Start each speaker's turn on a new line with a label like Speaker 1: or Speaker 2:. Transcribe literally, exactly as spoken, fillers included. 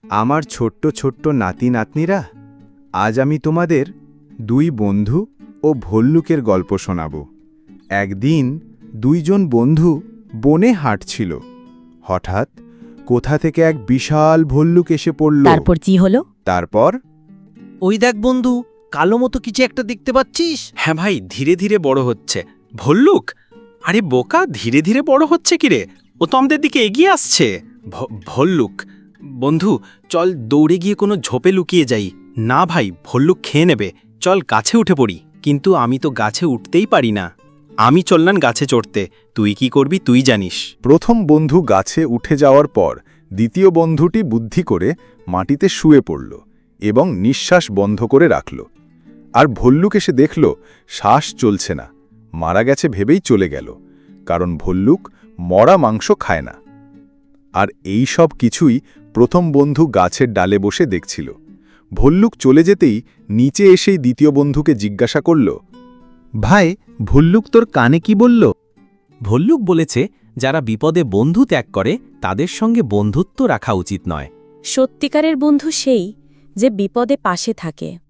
Speaker 1: আমার ছোট্ট ছোট্ট নাতি নাতনিরা, আজ আমি তোমাদের দুই বন্ধু ও ভল্লুকের গল্প শোনাব। একদিন দুইজন বন্ধু বনে হাঁটছিল। হঠাৎ কোথা থেকে এক বিশাল ভল্লুক এসে পড়ল।
Speaker 2: তারপর কি হলো?
Speaker 1: তারপর
Speaker 3: ওই দেখ বন্ধু, কালো মতো কিছু একটা দেখতে পাচ্ছিস?
Speaker 4: হ্যাঁ ভাই, ধীরে ধীরে বড় হচ্ছে। ভল্লুক? আরে বোকা, ধীরে ধীরে বড় হচ্ছে কিরে? ও তো আমাদের দিকে এগিয়ে আসছে। ভ- ভল্লুক? বন্ধু, চল দৌড়ে গিয়ে কোনো ঝোপে লুকিয়ে যাই। না ভাই, ভল্লুক খেয়ে নেবে। চল গাছে উঠে পড়ি। কিন্তু আমি তো গাছে উঠতেই পারি না। আমি চললাম গাছে চড়তে, তুই কি করবি তুই জানিস।
Speaker 5: প্রথম বন্ধু গাছে উঠে যাওয়ার পর দ্বিতীয় বন্ধুটি বুদ্ধি করে মাটিতে শুয়ে পড়ল এবং নিঃশ্বাস বন্ধ করে রাখল। আর ভল্লুক এসে দেখল শ্বাস চলছে না, মারা গেছে ভেবেই চলে গেল, কারণ ভল্লুক মরা মাংস খায় না। আর এই সব কিছুই প্রথম বন্ধু গাছের ডালে বসে দেখছিল। ভল্লুক চলে যেতেই নিচে এসেই দ্বিতীয় বন্ধুকে জিজ্ঞাসা করল,
Speaker 1: ভাই, ভল্লুক তোর কানে কি বলল?
Speaker 3: ভল্লুক বলেছে, যারা বিপদে বন্ধু ত্যাগ করে তাদের সঙ্গে বন্ধুত্ব রাখা উচিত নয়।
Speaker 2: সত্যিকারের বন্ধু সেই যে বিপদে পাশে থাকে।